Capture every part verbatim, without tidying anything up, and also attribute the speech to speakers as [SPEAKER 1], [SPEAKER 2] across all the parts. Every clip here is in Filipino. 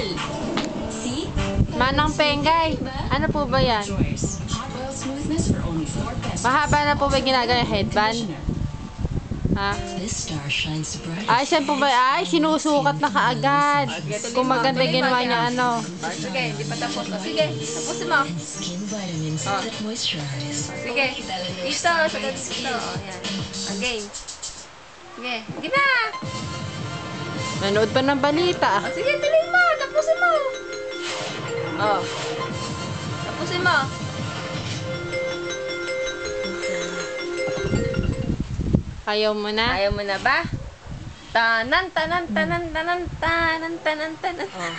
[SPEAKER 1] Manang Pengay. Ano po ba yan? Mahaba na po ba ginagawa yung headband? Ha? Ay, siya po ba? Ay, sinusukat na kaagad. Kung maganda ginawa niya, ano.
[SPEAKER 2] Sige, hindi pa tapos. Sige, tapusin mo. Oh. Sige, dito, sa dito. Oh, yan. Okay. Sige, di ba?
[SPEAKER 1] Nanood pa ng balita.
[SPEAKER 2] Oh, sige, tuloy mo. Tapusin mo. Oh. Tapusin mo.
[SPEAKER 1] Ayaw mo na?
[SPEAKER 2] Ayaw mo na ba? Tanan, tanan, tanan, tanan, tanan, tanan, tanan.
[SPEAKER 1] Oh.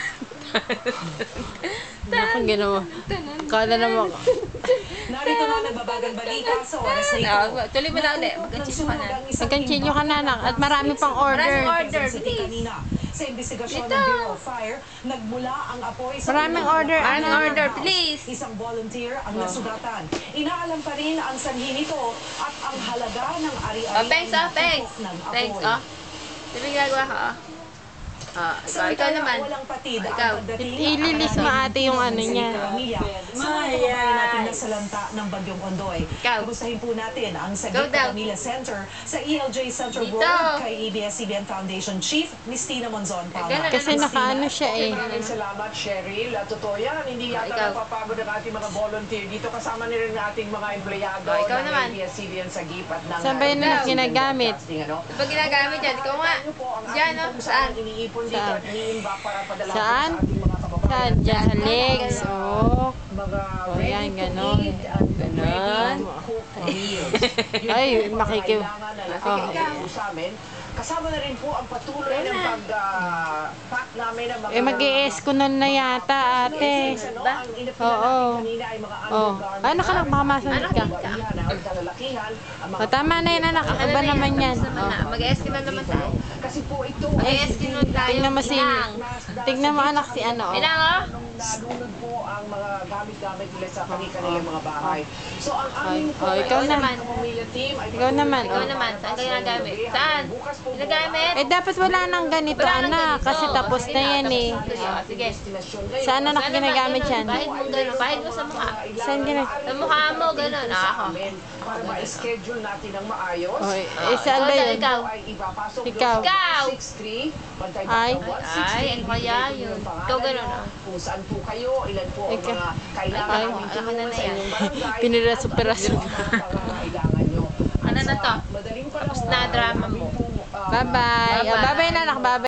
[SPEAKER 1] Bakit ginawa? Kala naman.
[SPEAKER 3] Narito na nagbabagang balita sa oras na ito.
[SPEAKER 2] Oh, tuloy mo na ulit. Magkachilyo ka na.
[SPEAKER 1] Magkachilyo ka na, anak. At marami pang order.
[SPEAKER 2] Maraming order, please.
[SPEAKER 3] Sa investigasyon ng Bureau of Fire, nagmula ang apoy sa...
[SPEAKER 1] Maraming order,
[SPEAKER 2] Maraming
[SPEAKER 1] anak.
[SPEAKER 2] order, please.
[SPEAKER 3] Isang volunteer ang nasugatan. Inaalam pa rin ang sanhi nito at ang halaga ng ari-ari
[SPEAKER 2] Oh, thanks, oh, thanks.
[SPEAKER 3] ng apoy.
[SPEAKER 2] Thanks, oh. Sabi ginagawa ka, oh. Ah, ikaw, ikaw naman.
[SPEAKER 3] Walang patid
[SPEAKER 2] Ikaw.
[SPEAKER 3] ang pagdating
[SPEAKER 1] Ililis mo ate yung ano niya.
[SPEAKER 3] Sa mga kababayan natin na salanta ng Bagyong Ondoy.
[SPEAKER 2] Ikaw.
[SPEAKER 3] Kamustahin po natin ang
[SPEAKER 2] Go
[SPEAKER 3] Sagip
[SPEAKER 2] daw.
[SPEAKER 3] Pamilya Center sa E L J Center
[SPEAKER 2] Dito.
[SPEAKER 3] Road kay A B S C B N Foundation Chief Miss Tina Monzon Palma.
[SPEAKER 2] Ganun.
[SPEAKER 1] Kasi nakaano siya eh.
[SPEAKER 4] Maraming salamat, Cheryl. At totoo yan, hindi yata
[SPEAKER 2] Ikaw.
[SPEAKER 4] napapagod ang ating mga volunteer. Dito kasama nila ng ating mga empleyado
[SPEAKER 2] Oh, ikaw
[SPEAKER 4] ng
[SPEAKER 2] naman.
[SPEAKER 4] A B S C B N Sagip at ng
[SPEAKER 1] Saan ba yun na ginagamit?
[SPEAKER 4] Ano?
[SPEAKER 2] Pag ginagamit yan, ikaw nga.
[SPEAKER 4] Ano po ang
[SPEAKER 2] Diyan,
[SPEAKER 4] ating
[SPEAKER 2] oh.
[SPEAKER 4] kung
[SPEAKER 2] Saan?
[SPEAKER 4] saan iniipon dito
[SPEAKER 1] Saan?
[SPEAKER 4] at iniimbak para padala po
[SPEAKER 1] Saan?
[SPEAKER 4] sa ating mga kababayan.
[SPEAKER 1] Saan? Diyan sa legs. Oh.
[SPEAKER 4] Mga
[SPEAKER 1] Oh,
[SPEAKER 4] ready
[SPEAKER 1] yan,
[SPEAKER 4] to
[SPEAKER 1] ganon.
[SPEAKER 4] eat and
[SPEAKER 1] Ganon.
[SPEAKER 4] ready to cook meals. Yun
[SPEAKER 1] Ay,
[SPEAKER 4] po yung mga
[SPEAKER 1] makikiw.
[SPEAKER 4] kailangan na
[SPEAKER 1] Oh.
[SPEAKER 4] nakikita po sa amin. Kasama na rin po ang patuloy ng pag-pack namin ng mga...
[SPEAKER 1] Eh, mag-i-eskunol na yata ate.
[SPEAKER 4] Ba?
[SPEAKER 1] Oo. Oh. Ay, nakanak, baka masunod ka. O, tama na yun, anak. Iba naman yan. Oh.
[SPEAKER 2] Mag-eskin na naman tayo.
[SPEAKER 4] Kasi po ito
[SPEAKER 2] Mag-eskin na tayo.
[SPEAKER 1] Tingnan mo si... Tingnan mo anak si ano. Oh.
[SPEAKER 2] Pinang, oh.
[SPEAKER 4] nalunod po ang mga gamit-gamit nila sa kanilang mga bahay. So ang aming
[SPEAKER 1] Ay, oh, ikaw
[SPEAKER 2] naman.
[SPEAKER 4] pamilya team ay
[SPEAKER 1] Ikaw naman,
[SPEAKER 2] Ikaw
[SPEAKER 1] oh.
[SPEAKER 2] naman, saan ka ginagamit? Saan? Ginagamit?
[SPEAKER 1] Eh, dapat wala nang ganito,
[SPEAKER 2] Wala nang
[SPEAKER 1] anak.
[SPEAKER 2] ganito.
[SPEAKER 1] Kasi tapos na yan eh.
[SPEAKER 2] Ah, sige.
[SPEAKER 1] Saan anak
[SPEAKER 2] Sana
[SPEAKER 1] ginagamit
[SPEAKER 2] ba,
[SPEAKER 1] yan?
[SPEAKER 2] ganun? Bahid mo gano'n. Bahid mo sa mukha.
[SPEAKER 1] Saan gina...
[SPEAKER 2] Sa mukha mo, gano'n. Ah, ako.
[SPEAKER 4] Para ma-schedule natin ng maayos.
[SPEAKER 1] Oh, eh, saan ba yun?
[SPEAKER 2] Ikaw.
[SPEAKER 4] Ay ipapasok
[SPEAKER 1] Ikaw.
[SPEAKER 4] doon sa
[SPEAKER 2] Ikaw.
[SPEAKER 4] six three, Bantay
[SPEAKER 1] Ay.
[SPEAKER 4] Bata one sixty.
[SPEAKER 2] Ay, ano kaya yun? Ikaw ganun, ah.
[SPEAKER 4] Kung saan po kayo, ilan po ang
[SPEAKER 1] Ikaw.
[SPEAKER 4] mga kailangan
[SPEAKER 2] Ay,
[SPEAKER 4] namin
[SPEAKER 2] alam ko na
[SPEAKER 4] tulungan
[SPEAKER 2] na
[SPEAKER 4] sa
[SPEAKER 2] yan.
[SPEAKER 4] inyong barangay.
[SPEAKER 1] Piniraso-piraso.
[SPEAKER 4] At ano po ang mga pangangailangan nyo.
[SPEAKER 2] Ano na to?
[SPEAKER 4] Madaling
[SPEAKER 2] Tapos
[SPEAKER 4] panahon,
[SPEAKER 2] na drama mo.
[SPEAKER 4] kami pong, ah,
[SPEAKER 1] Bye-bye. Oh, bye-bye na, anak. Bye-bye.